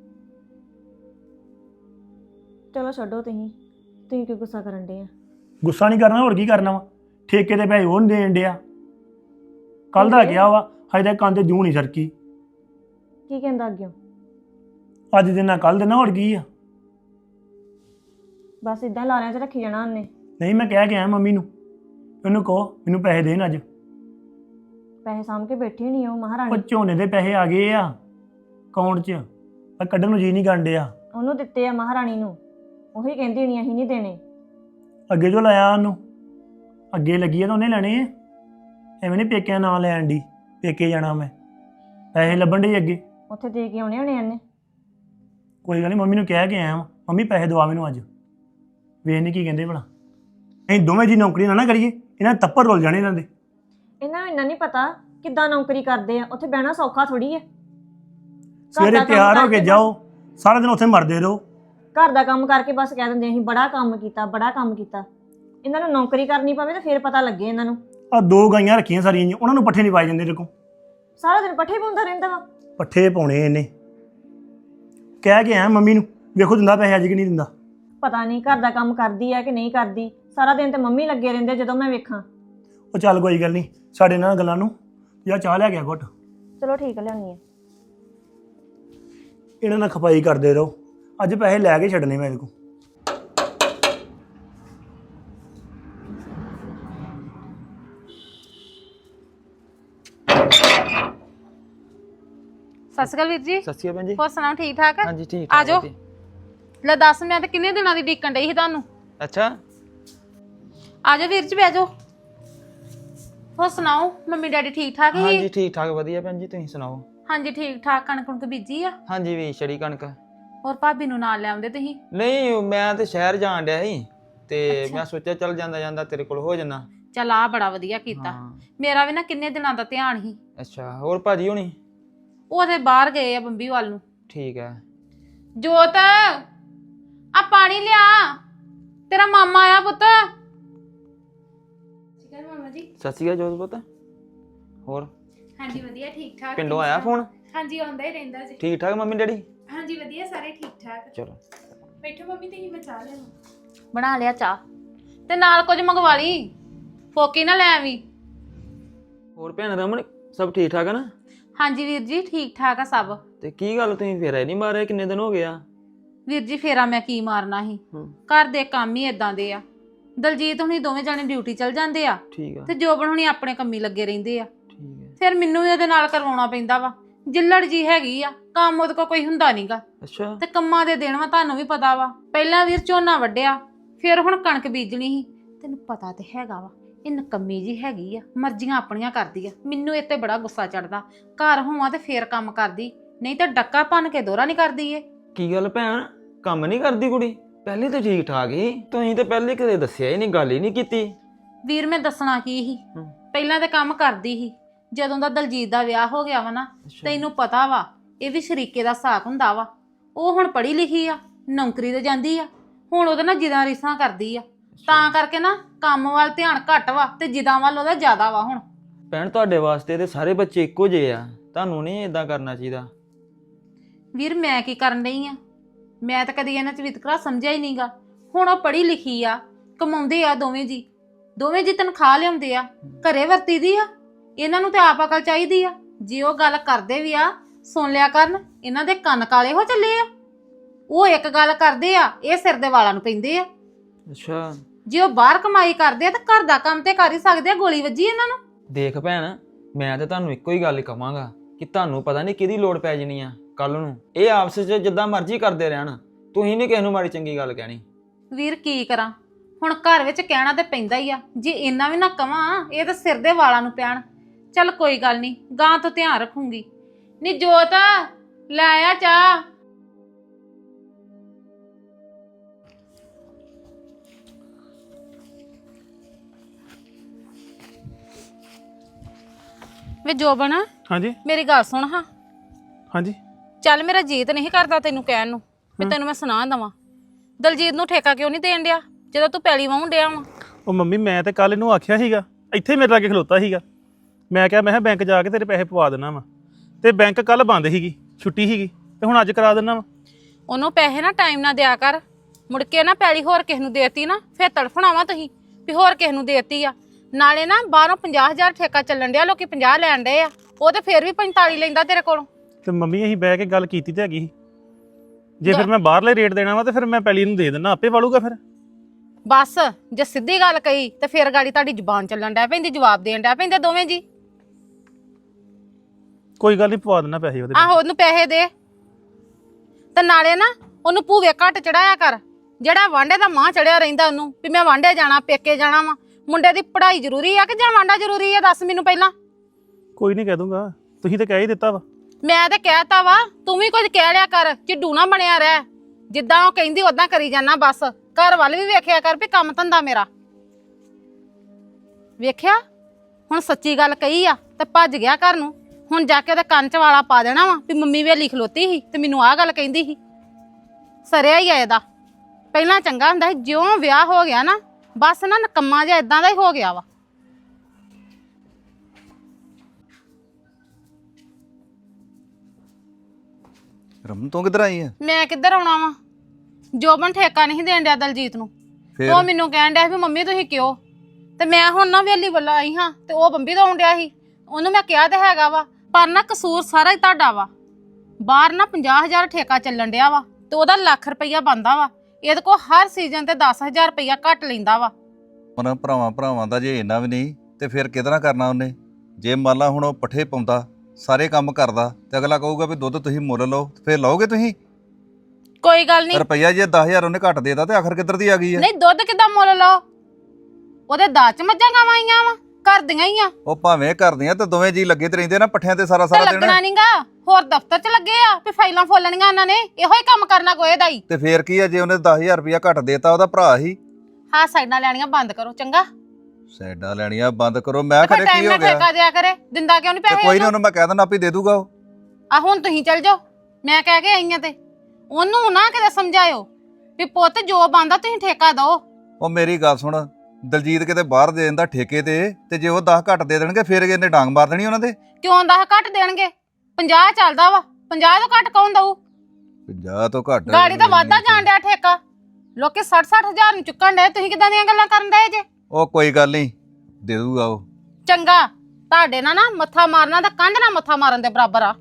[SPEAKER 5] ਚਲੋ ਛੱਡੋ, ਤੁਸੀਂ ਕਿਉਂ ਗੁੱਸਾ ਕਰਨ ਡੇ ਆ?
[SPEAKER 4] ਗੁੱਸਾ ਨਹੀਂ ਕਰਨਾ, ਹੋਰ ਕੀ ਕਰਨਾ ਵਾ? ਠੇਕੇ ਤੇ ਪੈਸੇ ਉਹ ਨਹੀਂ ਦੇਣ ਡਿਆ, ਕੱਲ ਦਾ ਗਿਆ ਵਾ, ਹਜੇ ਤੱਕ ਕੰਨ ਤੇ ਜੂੰ ਨਹੀਂ ਸਰਕੀ।
[SPEAKER 5] ਕੀ ਕਹਿੰਦਾ ਅੱਗੇ?
[SPEAKER 4] ਅੱਜ ਦੇ ਨਾਲ ਕੱਲ ਦੇ ਨਾ, ਹੋਰ ਕੀ ਆ?
[SPEAKER 5] ਬਸ ਇਦਾਂ ਲਾਰਿਆਂ 'ਚ ਰੱਖੀ ਜਾਣਾ ਉਹਨੇ।
[SPEAKER 4] ਨਹੀਂ ਮੈਂ ਕਹਿ ਕੇ ਆਇਆ ਮੰਮੀ ਨੂੰ, ਉਹਨੂੰ ਕਹੋ ਮੈਨੂੰ ਪੈਸੇ ਦੇਣ ਅੱਜ।
[SPEAKER 5] ਪੈਸੇ ਸਾਂਭ ਕੇ ਬੈਠੀ ਨਹੀਂ ਉਹ
[SPEAKER 4] ਉਹ
[SPEAKER 5] ਮਹਾਰਾਣੀ।
[SPEAKER 4] ਝੋਨੇ ਦੇ ਪੈਸੇ ਆ ਗਏ ਆ ਅਕਾਊਂਟ 'ਚ, ਪਰ ਕੱਢਣ ਨੂੰ ਜੀ ਨਹੀਂ ਕਰਨ ਡਿਆ।
[SPEAKER 5] ਉਹਨੂੰ ਦਿੱਤੇ ਆ ਮਹਾਰਾਣੀ ਨੂੰ, ਉਹੀ ਕਹਿੰਦੀ ਨਹੀਂ ਅਸੀਂ ਨਹੀਂ ਦੇਣੇ।
[SPEAKER 4] ਅੱਗੇ ਜੋ ਲਾਇਆ ਉਹਨੂੰ, ਅੱਗੇ ਲੱਗੀ ਆ ਤਾਂ ਉਹਨੇ ਲੈਣੇ ਆ। ਐਵੇਂ ਨਹੀਂ ਪੇਕਿਆਂ ਨਾਂ ਲੈਣ ਦੀ, ਪੇਕੇ ਜਾਣਾ ਮੈਂ, ਪੈਸੇ ਲੱਭਣ ਡੇ ਅੱਗੇ।
[SPEAKER 5] ਉੱਥੇ ਦੇ ਕੇ ਆਉਣੇ ਹੋਣੇ ਇਹਨੇ।
[SPEAKER 4] ਕੋਈ ਗੱਲ ਨਹੀਂ, ਮੰਮੀ ਨੂੰ ਕਹਿ ਕੇ ਆਇਆ ਵਾਂ, ਮੰਮੀ ਪੈਸੇ ਦਵਾ ਮੈਨੂੰ ਅੱਜ, ਵੇਖ ਨਹੀਂ ਕੀ ਕਹਿੰਦੇ ਭਲਾ। ਅਸੀਂ ਦੋਵੇਂ ਜੀ ਨੌਕਰੀ ਨਾ ਕਰੀਏ, ਇਹਨਾਂ ਦੇ ਤੱਪਰ ਰੁੱਲ ਜਾਣੇ ਇਹਨਾਂ ਦੇ।
[SPEAKER 5] ਇਹਨਾਂ ਨੂੰ ਇੰਨਾ ਨਹੀਂ ਪਤਾ ਕਿੱਦਾਂ ਨੌਕਰੀ ਕਰਦੇ ਆ, ਉੱਥੇ ਬਹਿਣਾ ਸੌਖਾ ਥੋੜੀ ਆ।
[SPEAKER 4] ਸਵੇਰੇ ਤਿਆਰ ਹੋ ਕੇ ਜਾਓ, ਸਾਰਾ ਦਿਨ ਉੱਥੇ ਮਰਦੇ ਰਹੋ।
[SPEAKER 5] ਘਰ ਦਾ ਕੰਮ ਕਰਕੇ ਬਸ ਕਹਿ ਦਿੰਦੇ ਅਸੀਂ ਬੜਾ ਕੰਮ ਕੀਤਾ, ਬੜਾ ਕੰਮ ਕੀਤਾ। ਇਹਨਾਂ ਨੂੰ ਨੌਕਰੀ ਕਰਨੀ ਪਵੇ ਤਾਂ ਫਿਰ ਪਤਾ ਲੱਗੇ ਇਹਨਾਂ ਨੂੰ।
[SPEAKER 4] ਆ 2 ਗਾਈਆਂ ਰੱਖੀਆਂ ਸਾਰੀਆਂ ਜੀ, ਉਹਨਾਂ ਨੂੰ ਪੱਠੇ ਨਹੀਂ ਪਾਏ ਜਾਂਦੇ ਦੇਖੋ।
[SPEAKER 5] ਸਾਰਾ ਦਿਨ ਪੱਠੇ ਪਾਉਂਦਾ ਰਹਿੰਦਾ ਵਾ।
[SPEAKER 4] ਪੱਠੇ ਪਾਉਣੇ ਇਹਨੇ, ਕਹਿ ਕੇ ਆਇਆ ਮੰਮੀ ਨੂੰ, ਵੇਖੋ ਦਿੰਦਾ ਪੈਸੇ ਅੱਜ ਕਿ ਨਹੀਂ ਦਿੰਦਾ।
[SPEAKER 5] ਪਤਾ ਨਹੀਂ ਘਰ ਦਾ ਕੰਮ ਕਰਦੀ ਆ ਕਿ ਨਹੀਂ ਕਰਦੀ, ਸਾਰਾ ਦਿਨ ਤੇ ਮੰਮੀ ਲੱਗੇ ਰਹਿੰਦੇ ਜਦੋਂ ਮੈਂ ਵੇਖਾਂ।
[SPEAKER 4] ਉਹ ਚੱਲ ਕੋਈ ਗੱਲ ਨਹੀਂ, ਸਾਡੇ ਨਾਲ ਗੱਲਾਂ ਨੂੰ ਜਾਂ ਚਾਹ ਲੈ ਗਿਆ ਘੁੱਟ।
[SPEAKER 5] ਚਲੋ ਠੀਕ ਲਿਆਉਣੀ ਆ।
[SPEAKER 4] ਇਹਨਾਂ ਨਾਲ ਖਪਾਈ ਕਰਦੇ ਰਹੋ, ਅੱਜ ਪੈਸੇ ਲੈ ਕੇ ਛੱਡਣੇ ਮੇਰੇ ਕੋਲ।
[SPEAKER 1] ਸਤਿ ਸ਼੍ਰੀ ਅਕਾਲ ਵੀਰ ਜੀ।
[SPEAKER 6] ਸਤਿ ਸ਼੍ਰੀ ਅਕਾਲ ਭੈਣ ਜੀ।
[SPEAKER 1] ਹੋਰ ਸੁਣਾਓ, ਠੀਕ ਠਾਕ?
[SPEAKER 6] ਹਾਂਜੀ ਠੀਕ
[SPEAKER 1] ਆ
[SPEAKER 6] ਠਾਕ
[SPEAKER 1] ਜਾਓ।
[SPEAKER 6] ਵਧੀਆ।
[SPEAKER 1] ਲੈ ਦੱਸ, ਮੈਂ ਤਾਂ ਕਿੰਨੇ ਦਿਨਾਂ ਦੀ ਡੀਕਣ ਡਈ ਸੀ ਤੁਹਾਨੂੰ।
[SPEAKER 6] ਅੱਛਾ
[SPEAKER 1] ਆ ਜਾਓ ਵੀਰ ਜੀ, ਬਹਿ ਜਾਓ। ਹੋਰ ਸੁਣਾਓ, ਮੰਮੀ ਡੈਡੀ ਠੀਕ ਠਾਕ
[SPEAKER 6] ਹਾਂਜੀ
[SPEAKER 1] ਹੀ?
[SPEAKER 6] ਠੀਕ ਠਾਕ ਵਧੀਆ ਭੈਣ ਜੀ, ਤੁਸੀਂ ਸੁਣਾਓ?
[SPEAKER 1] ਹਾਂਜੀ ਠੀਕ ਠਾਕ। ਕਣਕ ਕੁਣਕ ਬੀਜੀ ਆ?
[SPEAKER 6] ਹਾਂਜੀ ਵੀ ਛੜੀ ਕਣਕ।
[SPEAKER 1] ਹੋਰ ਭਾਬੀ ਨੂੰ ਨਾਲ ਲੈ ਆਉਂਦੇ ਤੁਸੀਂ?
[SPEAKER 6] ਨਹੀਂ ਮੈਂ ਤੇ ਸ਼ਹਿਰ ਜਾਣ ਡਿਆ ਸੀ ਤੇ ਮੈਂ ਸੋਚਿਆ ਚੱਲ ਜਾਂਦਾ ਜਾਂਦਾ ਤੇਰੇ ਕੋਲ ਹੋ ਜਾਣਾ।
[SPEAKER 1] ਚੱਲ ਆ ਬੜਾ ਵਧੀਆ ਕੀਤਾ।
[SPEAKER 6] ਹਾਂ।
[SPEAKER 1] ਮੇਰਾ ਵੀ ਨਾ ਕਿੰਨੇ ਦਿਨਾਂ ਦਾ ਧਿਆਨ ਸੀ।
[SPEAKER 6] ਅੱਛਾ ਹੋਰ ਭਾਜੀ ਹੋਣੀ?
[SPEAKER 1] ਉਹ ਤੇ ਬਾਹਰ ਗਏ ਆ ਬੰਬੀ ਵੱਲ ਨੂੰ।
[SPEAKER 6] ਠੀਕ ਹੈ।
[SPEAKER 1] ਜੋਤ, ਆ ਪਾਣੀ ਲਿਆ। ਤੇਰਾ ਮਾਮਾ ਆਇਆ ਪੁੱਤ।
[SPEAKER 2] ਠੀਕ ਹੈ ਮਾਮਾ ਜੀ।
[SPEAKER 6] ਸਤਿ ਸ਼੍ਰੀ ਅਕਾਲ ਜੋਤ ਪੁੱਤ। ਹੋਰ
[SPEAKER 2] ਹਾਂਜੀ ਵਧੀਆ ਠੀਕ ਠਾਕ।
[SPEAKER 6] ਪਿੰਡੋਂ ਆਇਆ ਫੋਨ?
[SPEAKER 2] ਹਾਂਜੀ ਆਉਂਦਾ ਹੀ ਰਹਿੰਦਾ ਜੀ।
[SPEAKER 6] ਠੀਕ ਠਾਕ ਮੰਮੀ ਡੈਡੀ?
[SPEAKER 2] ਹਾਂਜੀ ਵਧੀਆ ਸਾਰੇ ਠੀਕ ਠਾਕ।
[SPEAKER 6] ਚਲੋ
[SPEAKER 2] ਬੈਠੋ ਮੰਮੀ ਤੁਸੀਂ, ਮੈਂ ਚਾਹ ਲਿਆਵਾਂ।
[SPEAKER 1] ਬਣਾ ਲਿਆ ਚਾਹ ਤੇ ਨਾਲ ਕੁਝ ਮੰਗਵਾ ਲਈ, ਫੋਕੀ ਨਾ ਲੈ ਆਵੀਂ।
[SPEAKER 6] ਹੋਰ ਭੈਣ ਰਮਨ ਸਭ ਠੀਕ ਠਾਕ ਆ ਨਾ?
[SPEAKER 1] ਹਾਂਜੀ ਵੀਰ ਜੀ ਠੀਕ ਠਾਕ ਆ ਸਭ।
[SPEAKER 6] ਤੇ ਕੀ ਗੱਲ ਤੁਸੀਂ ਫੇਰਾ ਹੀ ਨਹੀਂ ਮਾਰਿਆ, ਕਿੰਨੇ ਦਿਨ ਹੋ ਗਏ ਆ?
[SPEAKER 1] ਵੀਰ ਜੀ ਫੇਰਾ ਮੈਂ ਕੀ ਮਾਰਨਾ ਸੀ, ਘਰ ਦੇ ਕੰਮ ਹੀ ਇਦਾਂ ਦੇ ਆ। ਦਲਜੀਤ ਹੁਣੀ ਦੋਵੇਂ ਜਾਣੇ ਡਿਊਟੀ ਚਲ ਜਾਂਦੇ ਆ
[SPEAKER 6] ਠੀਕ ਆ।
[SPEAKER 1] ਤੇ ਜੋਬਨ ਹੁਣੀ ਆਪਣੇ ਕੰਮੀ ਲੱਗੇ ਰਹਿੰਦੇ ਆ।
[SPEAKER 6] ਠੀਕ ਹੈ।
[SPEAKER 1] ਫਿਰ ਮੈਨੂੰ ਵੀ ਉਹਦੇ ਨਾਲ ਕਰਵਾਉਣਾ ਪੈਂਦਾ ਵਾ। ਜਿੱਲੜ ਜੀ ਹੈਗੀ ਆ, ਕੰਮ ਉਹਦੇ ਕੋਲ ਕੋਈ ਹੁੰਦਾ ਨਹੀਂਗਾ
[SPEAKER 6] ਅੱਛਾ।
[SPEAKER 1] ਤੇ ਕੰਮਾਂ ਦੇ ਦਿਨ ਵਾ, ਤੁਹਾਨੂੰ ਵੀ ਪਤਾ ਵਾ। ਪਹਿਲਾਂ ਵੀਰ ਝੋਨਾ ਵੱਢਿਆ, ਫਿਰ ਹੁਣ ਕਣਕ ਬੀਜਣੀ ਸੀ। ਤੈਨੂੰ ਪਤਾ ਤੇ ਹੈਗਾ ਵਾ ਇਹ ਨਕੰਮੀ ਜੀ ਹੈਗੀ ਆ, ਮਰਜ਼ੀਆਂ ਆਪਣੀਆਂ ਕਰਦੀ ਆ। ਮੈਨੂੰ ਇਹ ਤੇ ਬੜਾ ਗੁੱਸਾ ਚੜਦਾ। ਘਰ ਹੋਵਾਂ ਤੇ ਫੇਰ ਕੰਮ ਕਰਦੀ, ਨਹੀਂ ਤਾਂ ਡੱਕਾ ਭੰਨ ਕੇ ਦੋਹਰਾ ਨਹੀਂ ਕਰਦੀ ਏ।
[SPEAKER 6] ਕੀ ਗੱਲ ਭੈਣ, ਕੰਮ ਨਹੀਂ ਕਰਦੀ ਕੁੜੀ? ਪਹਿਲੇ ਤਾਂ ਠੀਕ ਠਾਕ ਹੀ, ਤੁਸੀਂ ਤਾਂ ਪਹਿਲੇ ਕਦੇ ਦੱਸਿਆ ਹੀ ਨਹੀਂ, ਗੱਲ ਹੀ ਨਹੀਂ ਕੀਤੀ।
[SPEAKER 1] ਵੀਰ ਮੈਂ ਦੱਸਣਾ ਕੀ ਸੀ, ਪਹਿਲਾਂ ਤੇ ਕੰਮ ਕਰਦੀ ਸੀ। ਜਦੋਂ ਦਾ ਦਲਜੀਤ ਦਾ ਵਿਆਹ ਹੋ ਗਿਆ ਵਾ ਨਾ, ਤੈਨੂੰ ਪਤਾ ਵਾ ਇਹ ਵੀ ਸ਼ਰੀਕੇ ਦਾ ਸਾਕ ਹੁੰਦਾ ਵਾ। ਉਹ ਹੁਣ ਪੜ੍ਹੀ ਲਿਖੀ ਆ, ਨੌਕਰੀ ਤੇ ਜਾਂਦੀ ਆ, ਹੁਣ ਉਹਦੇ ਨਾਲ ਜਿਦਾਂ ਰੀਸਾਂ ਕਰਦੀ ਆ। ਤਾਂ ਕਰਕੇ ਨਾ ਕੰਮ ਵੱਲ ਧਿਆਨ ਘੱਟ ਵਾ ਤੇ ਜਿਦਾਂ ਵੱਲ ਉਹਦਾ ਜ਼ਿਆਦਾ ਵਾ। ਹੁਣ
[SPEAKER 6] ਭੈਣ ਤੁਹਾਡੇ ਵਾਸਤੇ ਤੇ ਸਾਰੇ ਬੱਚੇ ਇੱਕੋ ਜਿਹੇ ਆ, ਤੁਹਾਨੂੰ ਨਹੀਂ ਇਦਾਂ ਕਰਨਾ ਚਾਹੀਦਾ।
[SPEAKER 1] ਵੀਰ ਮੈਂ ਕੀ ਕਰਨ ਡਈ ਆ? ਮੈਂ ਤਾਂ ਕਦੀ ਇਹਨਾਂ ਚ ਵਿਤਕਰਾ ਸਮਝਿਆ ਹੀ ਨਹੀਂਗਾ। ਹੁਣ ਉਹ ਪੜ੍ਹੀ ਲਿਖੀ ਆ, ਕਮਾਉਂਦੇ ਆ ਦੋਵੇਂ ਜੀ ਤਨਖਾਹ ਲਿਆਉਂਦੇ ਆ, ਘਰੇ ਵਰਤੀ ਦੀ ਆ। ਇਹਨਾਂ ਨੂੰ ਤੇ ਆਪ ਅਕਲ ਚਾਹੀਦੀ ਆ। ਜੇ ਉਹ ਗੱਲ ਕਰਦੇ ਵੀ ਆ, ਸੁਣ ਲਿਆ ਕਰਨ। ਇਹਨਾਂ ਦੇ ਕੰਨ ਕਾਲੇ ਹੋ ਚੱਲੇ ਆ। ਉਹ ਇੱਕ ਗੱਲ ਕਰਦੇ ਆ, ਇਹ ਸਿਰ ਦੇ ਵਾਲਾਂ ਨੂੰ ਪੈਂਦੇ ਆ।
[SPEAKER 6] ਅੱਛਾ।
[SPEAKER 1] ਜੇ ਉਹ ਬਾਹਰ ਕਮਾਈ ਕਰਦੇ ਆ ਤਾਂ ਘਰ ਦਾ ਕੰਮ ਤੇ ਕਰ ਹੀ ਸਕਦੇ ਆ। ਗੋਲੀ ਵੱਜੀ ਇਹਨਾਂ ਨੂੰ।
[SPEAKER 6] ਦੇਖ ਭੈਣ, ਮੈਂ ਤੇ ਤੁਹਾਨੂੰ ਇੱਕੋ ਹੀ ਗੱਲ ਕਹਾਂਗਾ ਕਿ ਤੁਹਾਨੂੰ ਪਤਾ ਨਹੀਂ ਕਿਹਦੀ ਲੋੜ ਪੈ ਜਾਣੀ ਆ ਕੱਲ ਨੂੰ। ਇਹ ਆਪਸ ਵਿੱਚ ਜਿੱਦਾਂ ਮਰਜ਼ੀ ਕਰਦੇ ਰਹਿਣ, ਤੁਸੀਂ ਨਹੀਂ ਕਿਸੇ ਨੂੰ ਮਾੜੀ ਚੰਗੀ ਗੱਲ ਕਹਿਣੀ।
[SPEAKER 1] ਵੀਰ ਕੀ ਕਰਾਂ ਹੁਣ, ਘਰ ਵਿੱਚ ਕਹਿਣਾ ਤੇ ਪੈਂਦਾ ਹੀ ਆ। ਜੇ ਇੰਨਾ ਵੀ ਨਾ ਕਵਾਂ, ਇਹ ਤਾਂ ਸਿਰ ਦੇ ਵਾਲਾਂ ਨੂੰ ਪੈਣ। ਚੱਲ ਕੋਈ ਗੱਲ ਨਹੀਂ, ਗਾਂ ਤੋਂ ਧਿਆਨ ਰੱਖੂੰਗੀ। ਨੀ ਜੋਤ ਲੈ ਆ ਚਾਹ। ਵੇ ਜੋਬਨ,
[SPEAKER 3] ਹਾਂਜੀ
[SPEAKER 1] ਮੇਰੀ ਗੱਲ ਸੁਣ ਹਾਂ।
[SPEAKER 3] ਹਾਂਜੀ।
[SPEAKER 1] ਚੱਲ ਮੇਰਾ ਜੀਤ ਨਹੀਂ ਕਰਦਾ ਤੈਨੂੰ ਕਹਿਣ ਨੂੰ ਵੀ ਤੈਨੂੰ ਮੈਂ ਸੁਣਾ ਦਵਾਂ। ਦਲਜੀਤ ਨੂੰ ਠੇਕਾ ਕਿਉਂ ਨਹੀਂ ਦੇਣ ਡਿਆ ਜਦੋਂ ਤੂੰ ਪੈਲੀ ਵਾਹੁਣ ਡਿਆ ਵਾ?
[SPEAKER 3] ਉਹ ਮੰਮੀ ਮੈਂ ਤੇ ਕੱਲ ਇਹਨੂੰ ਆਖਿਆ ਸੀਗਾ, ਇੱਥੇ ਮੇਰੇ ਲਾਗੇ ਖਲੋਤਾ ਸੀਗਾ। ਮੈਂ ਕਿਹਾ ਬੈਂਕ ਜਾ ਕੇ ਤੇਰੇ ਪੈਸੇ ਪਵਾ ਦੇਣਾ ਵਾ, ਤੇ ਬੈਂਕ ਕੱਲ ਬੰਦ ਸੀਗੀ, ਛੁੱਟੀ ਸੀਗੀ, ਤੇ ਹੁਣ ਅੱਜ ਕਰਾ ਦੇਣਾ ਵਾ।
[SPEAKER 1] ਉਹਨੂੰ ਪੈਸੇ ਨਾ ਟਾਈਮ ਨਾਲ ਦਿਆ ਕਰ। ਮੁੜ ਕੇ ਨਾ ਪੈਲੀ ਹੋਰ ਕਿਸ ਨੂੰ ਦੇਤੀ ਨਾ, ਫਿਰ ਤੜਫਣਾ ਵਾ ਤੁਸੀਂ ਵੀ ਹੋਰ ਕਿਸ ਨੂੰ ਦੇਤੀ ਆ। ਨਾਲੇ ਨਾ ਬਾਹਰੋਂ 50,000 ਠੇਕਾ ਚੱਲਣ ਡਿਆ, ਲੋਕੀ 50 ਲੈਣ ਡਏ ਆ। ਉਹ ਤੇ ਫਿਰ ਵੀ 45 ਲੈਂਦਾ ਤੇਰੇ ਕੋਲੋਂ।
[SPEAKER 3] ਤੇ ਮੰਮੀ ਅਸੀਂ ਬਹਿ ਕੇ ਗੱਲ ਕੀਤੀ ਤੇ ਹੈਗੀ ਸੀ। ਜੇ ਫਿਰ ਮੈਂ ਬਾਹਰਲੇ ਰੇਟ ਦੇਣਾ ਵਾ ਤੇ ਫਿਰ ਮੈਂ ਪੈਲੀ ਨੂੰ ਦੇ ਦੇਣਾ, ਆਪੇ ਵਾਲੂਗਾ ਫਿਰ।
[SPEAKER 1] ਬਸ ਜੇ ਸਿੱਧੀ ਗੱਲ ਕਹੀ ਤੇ ਫਿਰ ਗਾੜੀ ਤੁਹਾਡੀ ਜ਼ੁਬਾਨ ਚੱਲਣ ਡੈ ਪੈਂਦੀ, ਜਵਾਬ ਦੇਣ ਡੈ ਪੈਂਦੇ ਦੋਵੇਂ ਜੀ।
[SPEAKER 3] ਕੋਈ ਗੱਲ ਨਹੀਂ, ਪਵਾ ਦੇਣਾ ਪੈਸੇ ਉਹਦੇ।
[SPEAKER 1] ਆਹੋ ਉਹਨੂੰ ਪੈਸੇ ਦੇ, ਤੇ ਨਾਲੇ ਨਾ ਉਹਨੂੰ ਭੂਵੇ ਘੱਟ ਚੜਾਇਆ ਕਰ। ਜਿਹੜਾ ਵਾਂਡੇ ਦਾ ਮਾਂ ਚੜਿਆ ਰਹਿੰਦਾ ਉਹਨੂੰ ਵੀ ਮੈਂ ਵਾਂਡੇ ਜਾਣਾ, ਪੇਕੇ ਜਾਣਾ ਵਾ। ਮੁੰਡੇ ਦੀ ਪੜ੍ਹਾਈ ਜ਼ਰੂਰੀ ਆ ਕਿ ਜਾਂ ਵਾਂਡਾ ਜ਼ਰੂਰੀ ਆ? ਦੱਸ ਮੈਨੂੰ ਪਹਿਲਾਂ।
[SPEAKER 3] ਕੋਈ ਨਹੀਂ ਕਹਿ ਦੂੰਗਾ, ਤੁਸੀਂ ਤੇ ਕਹਿ ਹੀ ਦਿੱਤਾ ਵਾ।
[SPEAKER 1] ਮੈਂ ਤੇ ਕਹਿਤਾ ਵਾ, ਤੂੰ ਵੀ ਕੁਝ ਕਹਿ ਲਿਆ ਕਰ। ਝਿੱਡੂ ਨਾ ਬਣਿਆ ਰਹਿ, ਜਿੱਦਾਂ ਉਹ ਕਹਿੰਦੀ ਉਦਾਂ ਕਰੀ ਜਾਣਾ। ਬਸ ਘਰ ਵੱਲ ਵੀ ਵੇਖਿਆ ਕਰ ਵੀ ਕੰਮ ਧੰਦਾ ਮੇਰਾ। ਵੇਖਿਆ ਹੁਣ ਸੱਚੀ ਗੱਲ ਕਹੀ ਆ ਤੇ ਭੱਜ ਗਿਆ ਘਰ ਨੂੰ। ਹੁਣ ਜਾ ਕੇ ਉਹਦੇ ਕੰਨ 'ਚ ਵਾਲਾ ਪਾ ਦੇਣਾ ਵਾ ਵੀ ਮੰਮੀ ਵੇਲੀ ਖਲੋਤੀ ਸੀ ਤੇ ਮੈਨੂੰ ਆਹ ਗੱਲ ਕਹਿੰਦੀ ਸੀ। ਸਰਿਆ ਹੀ ਆ ਇਹਦਾ। ਪਹਿਲਾਂ ਚੰਗਾ ਹੁੰਦਾ ਸੀ, ਜਿਉਂ ਵਿਆਹ ਹੋ ਗਿਆ ਨਾ ਬਸ ਨਾ ਨਕੰਮਾ ਜਿਹਾ ਇਦਾਂ ਦਾ ਹੀ ਹੋ ਗਿਆ ਵਾ।
[SPEAKER 7] ਰਮਨ ਤੂੰ ਕਿੱਧਰ ਆਈ ਹੈ?
[SPEAKER 1] ਮੈਂ ਕਿੱਧਰ ਆਉਣਾ ਵਾ? ਜੋਬਨ ਠੇਕਾ ਨਹੀਂ ਦੇਣ ਡਿਆ ਦਲਜੀਤ ਨੂੰ।
[SPEAKER 7] ਫੇਰ
[SPEAKER 1] ਉਹ ਮੈਨੂੰ ਕਹਿਣ ਡਿਆ ਵੀ ਮੰਮੀ ਤੁਸੀਂ ਕਿਉਂ? ਤੇ ਮੈਂ ਹੁਣ ਨਾ ਵੇਲੀ ਵੱਲ ਆਈ ਹਾਂ ਤੇ ਉਹ ਬੰਬੀ ਤੋਂ ਆਉਣ ਡਿਆ ਸੀ। ਉਹਨੂੰ ਮੈਂ ਕਿਹਾ ਤੇ ਹੈਗਾ ਵਾ, ਪਰ ਨਾ ਕਸੂਰ ਸਾਰਾ ਹੀ ਤੁਹਾਡਾ ਵਾ। ਬਾਹਰ ਨਾ 50,000 ਠੇਕਾ ਚੱਲਣ ਡਿਆ ਵਾ ਤੇ ਉਹਦਾ ਲੱਖ ਰੁਪਈਆ ਬਣਦਾ ਵਾ। ਇਹਦੇ ਕੋਲ ਹਰ ਸੀਜ਼ਨ ਤੇ 10,000 ਰੁਪਈਆ ਘੱਟ ਲੈਂਦਾ ਵਾ।
[SPEAKER 7] ਉਹਨਾਂ ਭਰਾਵਾਂ ਦਾ ਜੇ ਇੰਨਾ ਵੀ ਨਹੀਂ ਤੇ ਫਿਰ ਕਿਹਦੇ ਨਾਲ ਕਰਨਾ ਉਹਨੇ? ਜੇ ਮੰਨ ਲਾ ਹੁਣ ਉਹ ਪੱਠੇ ਪਾਉਂਦਾ, ਸਾਰੇ ਕੰਮ ਕਰਦਾ, ਤੇ ਅਗਲਾ ਕਹੂਗਾ ਵੀ ਦੁੱਧ ਤੁਸੀਂ ਮੁੱਲ ਲਓ, ਫਿਰ ਲਓਗੇ ਤੁਸੀਂ?
[SPEAKER 1] ਕੋਈ ਗੱਲ ਨਹੀਂ।
[SPEAKER 7] ਰੁਪਈਆ ਜੇ 10,000 ਉਹਨੇ ਘੱਟ ਦੇਤਾ ਤੇ ਆਖਰ ਕਿੱਧਰ ਦੀ ਆ ਗਈ ਹੈ?
[SPEAKER 1] ਨਹੀਂ ਦੁੱਧ ਕਿੱਦਾਂ ਮੁੱਲ ਲਓ? ਉਹਦੇ ਦਾਜ ਚ ਮੱਝਾਂ ਗਾਵਾਈਆਂ ਵਾ, ਘਰ ਦੀਆਂ ਹੀ ਆ।
[SPEAKER 7] ਉਹ ਭਾਵੇਂ ਕਰਦੀਆਂ ਤੇ ਦੋਵੇਂ ਜੀ ਲੱਗੇ ਤੇ ਰਹਿੰਦੇ ਨਾ ਪੱਠਿਆਂ ਤੇ ਸਾਰਾ
[SPEAKER 1] ਤੇ
[SPEAKER 7] ਦਿਨ।
[SPEAKER 1] ਲੱਗਣਾ ਨਹੀਂਗਾ, ਹੋਰ ਦਫ਼ਤਰ ਚ ਲੱਗੇ ਆ ਵੀ ਫਾਈਲਾਂ ਫੋਲਣੀਆਂ ਉਹਨਾਂ ਨੇ। ਇਹੋ ਹੀ ਕੰਮ ਕਰਨਾ ਕੋਈ ਦਾ ਹੀ।
[SPEAKER 7] ਤੇ ਫੇਰ ਕੀ ਆ ਜੇ ਉਹਨੇ 10,000 ਰੁਪਈਆ ਘੱਟ ਦੇਤਾ, ਉਹਦਾ ਭਰਾ ਹੀ।
[SPEAKER 1] ਹਾਂ ਸਾਈਡਾਂ ਲੈਣੀਆਂ ਬੰਦ ਕਰੋ ਚੰਗਾ।
[SPEAKER 7] ਸਾਈਡਾਂ ਲੈਣੀਆਂ ਬੰਦ ਕਰੋ। ਮੈਂ ਖਰੇ
[SPEAKER 1] ਟਾਈਮ
[SPEAKER 7] ਕੀ ਹੋ
[SPEAKER 1] ਨਾਲ
[SPEAKER 7] ਗਿਆ?
[SPEAKER 1] ਠੇਕਾ ਦਿਆ ਕਰੇ, ਦਿੰਦਾ ਕਿਉਂ ਨਹੀਂ
[SPEAKER 7] ਤੇ
[SPEAKER 1] ਪੈਸੇ?
[SPEAKER 7] ਕੋਈ ਨਹੀਂ, ਉਹਨੂੰ ਮੈਂ ਕਹਿ ਦਿੰਦਾ ਆਪੇ ਦੇ ਦੂਗਾ ਉਹ।
[SPEAKER 1] ਆ ਹੁਣ ਤੁਸੀਂ ਚੱਲ ਜਾਓ, ਮੈਂ ਕਹਿ ਕੇ ਆਈਆਂ ਤੇ ਉਹਨੂੰ ਨਾ ਕਿਤੇ ਸਮਝਾਇਓ ਵੀ ਪੁੱਤ ਜੋ ਬੰਦਾ ਤੁਸੀਂ ਠੇਕਾ ਦਿਓ,
[SPEAKER 7] ਉਹ ਮੇਰੀ ਗੱਲ ਸੁਣ, ਦਲਜੀਤ ਕਿਤੇ ਬਾਹਰ ਦੇ ਦਿੰਦਾ ਠੇਕੇ ਤੇ ਜੇ ਉਹ 10 ਘੱਟ ਦੇ ਦੇਣਗੇ ਫਿਰ ਇਹਨੇ ਡਾਂਗ ਮਾਰ ਦੇਣੀ ਉਹਨਾਂ ਦੇ।
[SPEAKER 1] ਕਿਉਂ 10 ਘੱਟ ਦੇਣਗੇ? 50 ਚੱਲਦਾ ਵਾ, 50 ਤੋਂ ਘੱਟ ਕੌਣ ਦਊ?
[SPEAKER 7] 50 ਤੋਂ ਘੱਟ
[SPEAKER 1] ਗਾੜੀ ਤਾਂ ਵਾਧਾ ਜਾਣ ਡਿਆ ਠੇਕਾ, ਲੋਕੀ 60-60 ਹਜ਼ਾਰ ਨੂੰ ਚੁੱਕਣ ਡਏ, ਤੁਸੀਂ ਕਿਦਾਂ ਦੀਆਂ ਗੱਲਾਂ ਕਰਨ ਡਏ ਜੇ?
[SPEAKER 7] ਉਹ ਕੋਈ ਗੱਲ ਨਹੀਂ, ਦੇ ਦੂਗਾ ਉਹ।
[SPEAKER 1] ਚੰਗਾ, ਤੁਹਾਡੇ ਨਾਲ ਨਾ ਮੱਥਾ ਮਾਰਨਾ ਤਾਂ ਕੰਧ ਨਾਲ ਮੱਥਾ ਮਾਰਨ ਦੇ ਬਰਾਬਰ ਆ।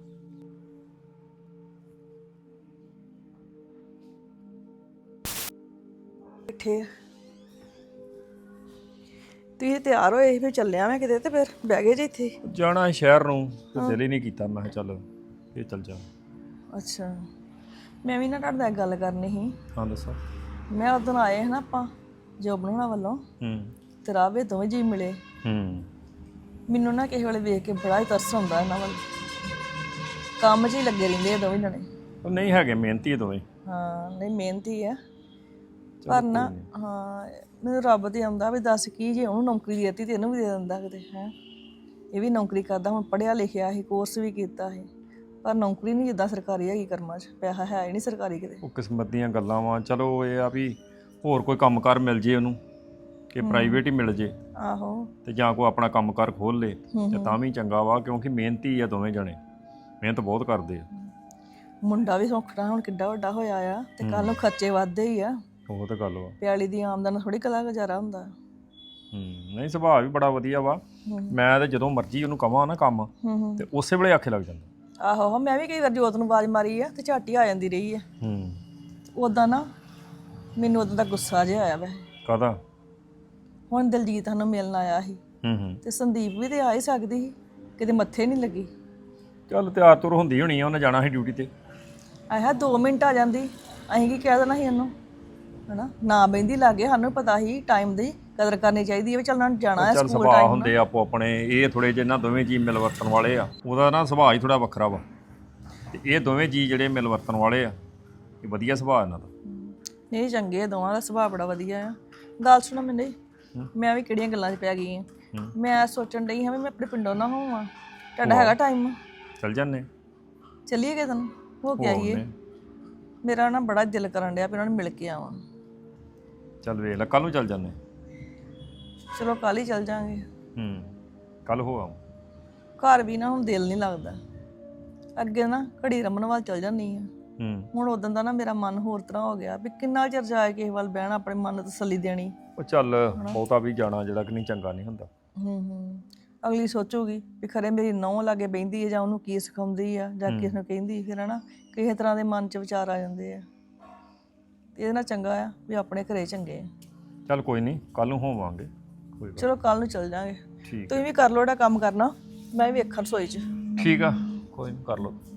[SPEAKER 8] ਬੈਠੇ ਆ। ਤੁਸੀਂ ਤਿਆਰ ਹੋਏ ਫਿਰ ਚੱਲਿਆ ਮੈਂ ਕਿਤੇ ਤੇ ਫਿਰ ਬਹਿ ਗਏ ਜੀ ਇੱਥੇ।
[SPEAKER 9] ਜਾਣਾ ਸ਼ਹਿਰ ਨੂੰ ਤੇ ਦਿਲ ਹੀ ਨਹੀਂ ਕੀਤਾ, ਮੈਂ ਕਿਹਾ ਚੱਲ ਇਹ ਚੱਲ ਜਾ।
[SPEAKER 8] ਅੱਛਾ, ਮੈਂ ਵੀ ਨਾ ਤੁਹਾਡੇ ਨਾਲ ਇੱਕ ਗੱਲ ਕਰਨੀ ਸੀ।
[SPEAKER 9] ਹਾਂ ਦੱਸੋ।
[SPEAKER 8] ਮੈਂ ਉਦੋਂ ਆਏ ਹਨ ਆਪਾਂ ਜੋ ਬਣਾਉਣਾ ਵੱਲੋਂ ਤੇ ਰਾਵੇ ਦੋਵੇਂ ਜੀ ਮਿਲੇ। ਮੈਨੂੰ ਨਾ ਕਿਸੇ ਵੇਲੇ ਵੇਖ ਕੇ ਬੜਾ ਹੀ ਤਰਸ ਆਉਂਦਾ ਇਹਨਾਂ ਵੱਲ, ਕੰਮ 'ਚ ਹੀ ਲੱਗੇ ਰਹਿੰਦੇ ਆ ਦੋਵੇਂ ਜਣੇ।
[SPEAKER 9] ਉਹ ਨਹੀਂ ਹੈਗੇ, ਮਿਹਨਤੀ ਆ ਦੋਵੇਂ।
[SPEAKER 8] ਹਾਂ ਨਹੀਂ ਮਿਹਨਤੀ ਆ ਪਰ ਨਾ ਹਾਂ ਮੈਨੂੰ ਰੱਬ ਤੇ ਆਉਂਦਾ ਵੀ ਦੱਸ ਕੀ ਜੇ ਉਹਨੂੰ ਨੌਕਰੀ ਦੇ ਦਿੱਤੀ ਤੇ ਇਹਨੂੰ ਵੀ ਦੇ ਦਿੰਦਾ ਕਿਤੇ ਹੈ। ਇਹ ਵੀ ਨੌਕਰੀ ਕਰਦਾ, ਹੁਣ ਪੜ੍ਹਿਆ ਲਿਖਿਆ ਸੀ, ਕੋਰਸ ਵੀ ਕੀਤਾ ਸੀ, ਪਰ ਨੌਕਰੀ ਨਹੀਂ ਜਿੱਦਾਂ ਸਰਕਾਰੀ ਹੈਗੀ ਕਰਮਾਂ 'ਚ, ਪੈਸਾ ਹੈ ਹੀ ਨਹੀਂ ਸਰਕਾਰੀ ਕਿਤੇ।
[SPEAKER 9] ਉਹ ਕਿਸਮਤ ਦੀਆਂ ਗੱਲਾਂ ਵਾ। ਚਲੋ ਇਹ ਆ ਵੀ ਹੋਰ ਕੋਈ ਕੰਮਕਾਰ ਮਿਲ ਜੇ ਉਹਨੂੰ, ਕਿ ਪ੍ਰਾਈਵੇਟ ਹੀ ਮਿਲ ਜੇ
[SPEAKER 8] ਆਹੋ
[SPEAKER 9] ਤੇ ਜਾਂ ਕੋਈ ਆਪਣਾ ਕੰਮਕਾਰ ਖੋਲ ਲੇ ਤੇ ਤਾਂ ਵੀ ਚੰਗਾ ਵਾ, ਕਿਉਂਕਿ ਮਿਹਨਤੀ ਆ ਦੋਵੇਂ ਜਣੇ, ਮਿਹਨਤ ਬਹੁਤ ਕਰਦੇ ਆ।
[SPEAKER 8] ਮੁੰਡਾ ਵੀ ਸੌਖਣਾ ਹੁਣ ਕਿੱਡਾ ਵੱਡਾ ਹੋਇਆ ਆ ਤੇ ਕੱਲ ਨੂੰ ਖਰਚੇ ਵੱਧਦੇ ਹੀ ਆ।
[SPEAKER 9] ਉਹ ਤਾਂ ਗੱਲ ਵਾ।
[SPEAKER 8] ਪਿਆਲੀ ਦੀ ਆਮਦਨ ਥੋੜੀ ਕਲਾ ਗੁਜ਼ਾਰਾ ਹੁੰਦਾ।
[SPEAKER 9] ਨਹੀਂ ਸੁਭਾਅ ਵੀ ਬੜਾ ਵਧੀਆ ਵਾ। ਮੈਂ ਤਾਂ ਜਦੋਂ ਮਰਜ਼ੀ ਉਹਨੂੰ ਕਵਾਂ ਨਾ ਕੰਮ ਤੇ ਉਸੇ ਵੇਲੇ ਆਖੇ ਲੱਗ ਜਾਂਦਾ।
[SPEAKER 8] ਆਹੋ ਮੈਂ ਵੀ ਕਈ ਵਾਰ ਜੋਤ ਨੂੰ ਆਵਾਜ਼ ਮਾਰੀ ਆ ਤੇ ਝੱਟ ਹੀ ਆ ਜਾਂਦੀ ਰਹੀ ਆ। ਉਦਾਂ ਨਾ ਮੈਨੂੰ ਉਦੋਂ ਦਾ ਗੁੱਸਾ ਜਿਹਾ ਆਇਆ ਵੈਸੇ।
[SPEAKER 9] ਕਾਹਦਾ?
[SPEAKER 8] ਹੁਣ ਦਲਜੀਤ ਸਾਨੂੰ ਮਿਲਣ ਆਇਆ ਸੀ ਤੇ ਸੰਦੀਪ ਵੀ ਤੇ ਆ ਹੀ ਸਕਦੀ ਸੀ, ਕਿਤੇ ਮੱਥੇ ਨਹੀਂ ਲੱਗੀ।
[SPEAKER 9] ਚੱਲ ਤਿਆਰ ਤੁਰ ਹੁੰਦੀ ਹੋਣੀ ਆ, ਉਹਨੇ ਜਾਣਾ ਸੀ ਡਿਊਟੀ ਤੇ।
[SPEAKER 8] ਆਇਆ 2 ਮਿੰਟ ਆ ਜਾਂਦੀ, ਅਸੀਂ ਕੀ ਕਹਿ ਦੇਣਾ ਸੀ ਉਹਨੂੰ, ਹਨਾ ਨਾ ਬਹਿੰਦੀ ਲਾਗੇ। ਸਾਨੂੰ ਪਤਾ ਸੀ ਟਾਈਮ ਦੀ ਕਦਰ ਕਰਨੀ ਚਾਹੀਦੀ ਹੈ ਵੀ ਚੱਲ ਨਾ ਜਾਣਾ ਹੈ
[SPEAKER 9] ਚੱਲ
[SPEAKER 8] ਸਕੂਲ
[SPEAKER 9] ਸੁਭਾਅ
[SPEAKER 8] ਟਾਈਮ
[SPEAKER 9] ਹੁੰਦੇ ਆਪੋ ਆਪਣੇ। ਇਹ ਥੋੜੇ ਜਿਹੇ ਨਾ ਦੋਵੇਂ ਜੀ ਮਿਲ ਵਰਤਣ ਵਾਲੇ ਆ, ਉਹਦਾ ਨਾ ਸੁਭਾਅ ਹੀ ਥੋੜਾ ਵੱਖਰਾ ਵਾ ਤੇ ਇਹ ਦੋਵੇਂ ਜੀ ਜਿਹੜੇ ਮਿਲ ਵਰਤਣ ਵਾਲੇ ਆ, ਇਹ ਵਧੀਆ ਸੁਭਾਅ ਇਹਨਾਂ ਦਾ।
[SPEAKER 8] ਨਹੀਂ ਚੰਗੇ ਆ, ਦੋਵਾਂ ਦਾ ਸੁਭਾਅ ਬੜਾ ਵਧੀਆ ਆ। ਗੱਲ ਸੁਣੋ ਮੈਨੂੰ, ਮੈਂ ਵੀ ਕਿਹੜੀਆਂ ਗੱਲਾਂ 'ਚ ਪੈ ਗਈ ਹਾਂ। ਮੈਂ ਸੋਚਣ ਡਈ ਹਾਂ ਵੀ ਮੈਂ ਆਪਣੇ ਪਿੰਡੋਂ ਨਾ ਹੋਵਾਂ। ਤੁਹਾਡਾ ਹੈਗਾ ਟਾਈਮ?
[SPEAKER 9] ਚੱਲ ਜਾਂਦੇ,
[SPEAKER 8] ਚੱਲੀਏ ਕਿਤੇ ਨੂੰ ਹੋ ਕੇ ਆਈਏ। ਮੇਰਾ ਨਾ ਬੜਾ ਦਿਲ ਕਰਨ ਡਿਆ ਵੀ ਉਹਨਾਂ ਨੂੰ ਮਿਲ ਕੇ ਆਵਾਂ।
[SPEAKER 9] ਚੱਲ ਵੇਖ ਲੈ, ਕੱਲ ਨੂੰ ਚੱਲ ਜਾਂਦੇ।
[SPEAKER 8] ਚਲੋ ਕੱਲ ਹੀ ਚੱਲ ਜਾਾਂਗੇ।
[SPEAKER 9] ਕੱਲ ਹੋ ਆਉਂ।
[SPEAKER 8] ਘਰ ਵੀ ਨਾ ਹੁਣ ਦਿਲ ਨਹੀਂ ਲੱਗਦਾ। ਅੱਗੇ ਨਾ ਘੜੀ ਰਮਨ ਵੱਲ ਚੱਲ ਜਾਂਦੀ ਆ, ਹੁਣ ਉਦੋਂ ਦਾ ਨਾ ਮੇਰਾ ਮਨ ਹੋਰ ਤਰ੍ਹਾਂ ਹੋ ਗਿਆ ਵੀ ਕਿੰਨਾ ਚਿਰ ਜਾਏ ਕਿਸੇ ਵੱਲ ਬਹਿਣਾ, ਆਪਣੇ ਮਨ ਨੂੰ ਤਸੱਲੀ ਦੇਣੀ।
[SPEAKER 9] ਉਹ ਚੱਲ ਬਹੁਤਾ ਵੀ ਜਾਣਾ ਜਿਹੜਾ ਕਿ ਨਹੀਂ ਚੰਗਾ ਨਹੀਂ ਹੁੰਦਾ।
[SPEAKER 8] ਅਗਲੀ ਸੋਚੂਗੀ ਵੀ ਖਰੇ ਮੇਰੀ ਨਹੁੰ ਲਾਗੇ ਬਹਿੰਦੀ ਹੈ ਜਾਂ ਉਹਨੂੰ ਕੀ ਸਿਖਾਉਂਦੀ ਆ ਜਾਂ ਕਿਸ ਨੂੰ ਕਹਿੰਦੀ, ਫਿਰ ਹਨਾ ਕਿਸੇ ਤਰ੍ਹਾਂ ਦੇ ਮਨ 'ਚ ਵਿਚਾਰ ਆ ਜਾਂਦੇ ਆ। ਇਹਦੇ ਨਾਲ ਚੰਗਾ ਆ ਵੀ ਆਪਣੇ ਘਰੇ ਚੰਗੇ ਆ।
[SPEAKER 9] ਚੱਲ ਕੋਈ ਨਹੀਂ, ਕੱਲ ਨੂੰ ਹੋਵਾਂਗੇ। ਕੋਈ ਗੱਲ।
[SPEAKER 8] ਚਲੋ ਕੱਲ ਨੂੰ ਚੱਲ ਜਾਾਂਗੇ।
[SPEAKER 9] ਠੀਕ
[SPEAKER 8] ਤੁਸੀਂ ਵੀ ਕਰ ਲਓ ਜਿਹੜਾ ਕੰਮ ਕਰਨਾ, ਮੈਂ ਵੀ ਵੇਖਾਂ ਰਸੋਈ 'ਚ।
[SPEAKER 9] ਠੀਕ ਆ, ਕੋਈ ਨਹੀਂ ਕਰ ਲਓ।